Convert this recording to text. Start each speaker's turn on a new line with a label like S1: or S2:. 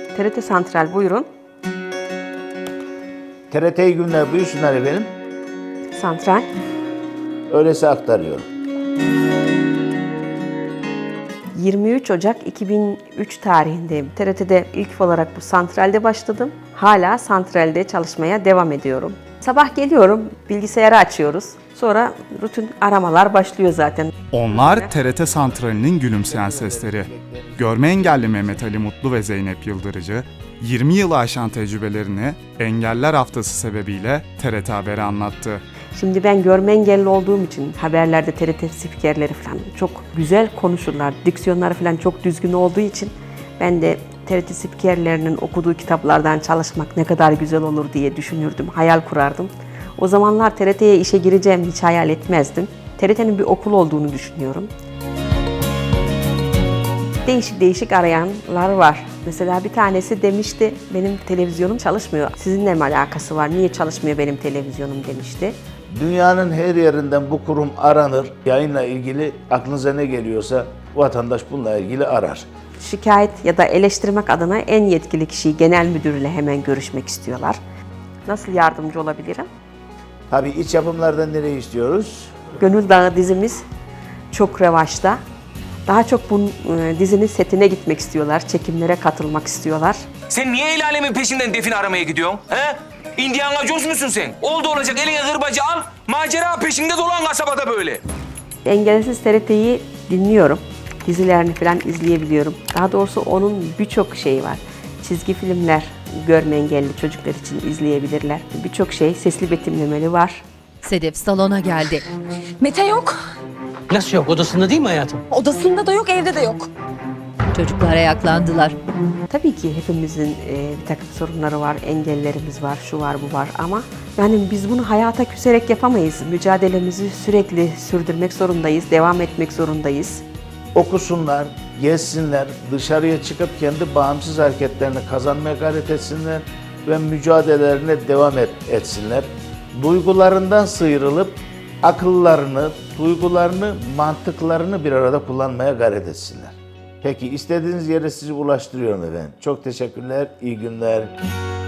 S1: TRT Santral buyurun.
S2: TRT iyi günler, buyursunlar efendim.
S1: Santral.
S2: Öyleyse aktarıyorum.
S1: 23 Ocak 2003 tarihindeyim. TRT'de ilk olarak bu santralde başladım. Hala santralde çalışmaya devam ediyorum. Sabah geliyorum, bilgisayarı açıyoruz. Sonra rutin aramalar başlıyor zaten.
S3: Onlar TRT Santrali'nin gülümseyen sesleri. Görme engelli Mehmet Ali Mutlu ve Zeynep Yıldırıcı, 20 yılı aşan tecrübelerini Engeller Haftası sebebiyle TRT Haber'e anlattı.
S1: Şimdi ben görme engelli olduğum için haberlerde TRT spikerleri falan çok güzel konuşurlar. Diksiyonları falan çok düzgün olduğu için ben de TRT spikerlerinin okuduğu kitaplardan çalışmak ne kadar güzel olur diye düşünürdüm, hayal kurardım. O zamanlar TRT'ye işe gireceğimi hiç hayal etmezdim. TRT'nin bir okul olduğunu düşünüyorum. Değişik arayanlar var. Mesela bir tanesi demişti, benim televizyonum çalışmıyor. Sizinle mi alakası var, niye çalışmıyor benim televizyonum demişti.
S2: Dünyanın her yerinden bu kurum aranır. Yayınla ilgili aklınıza ne geliyorsa vatandaş bununla ilgili arar.
S1: Şikayet ya da eleştirmek adına en yetkili kişiyi genel müdürle hemen görüşmek istiyorlar. Nasıl yardımcı olabilirim?
S2: Tabii iç yapımlardan nereye istiyoruz?
S1: Gönül Dağı dizimiz çok revaçta. Daha çok bu dizinin setine gitmek istiyorlar, çekimlere katılmak istiyorlar.
S4: Sen niye el alemin peşinden define aramaya gidiyorsun? He? Indiana Jones musun sen? Oldu olacak eline kırbacı al, macera peşinde dolan kasabada böyle.
S1: Engelsiz TRT'yi dinliyorum. Dizilerini falan izleyebiliyorum. Daha doğrusu onun birçok şeyi var. Çizgi filmler görme engelli çocuklar için izleyebilirler. Birçok şey sesli betimlemeli var.
S5: Sedef salona geldi.
S6: Mete yok.
S7: Nasıl yok? Odasında değil mi hayatım?
S6: Odasında da yok, evde de yok.
S5: Çocuklar ayaklandılar.
S1: Tabii ki hepimizin bir takım sorunları var, engellerimiz var, şu var, bu var ama yani biz bunu hayata küserek yapamayız. Mücadelemizi sürekli sürdürmek zorundayız, devam etmek zorundayız.
S2: Okusunlar, gezsinler, dışarıya çıkıp kendi bağımsız hareketlerini kazanmaya gayret etsinler ve mücadelelerine devam etsinler. Duygularından sıyrılıp akıllarını, duygularını, mantıklarını bir arada kullanmaya gayret etsinler. Peki istediğiniz yere sizi ulaştırıyorum efendim. Çok teşekkürler, iyi günler.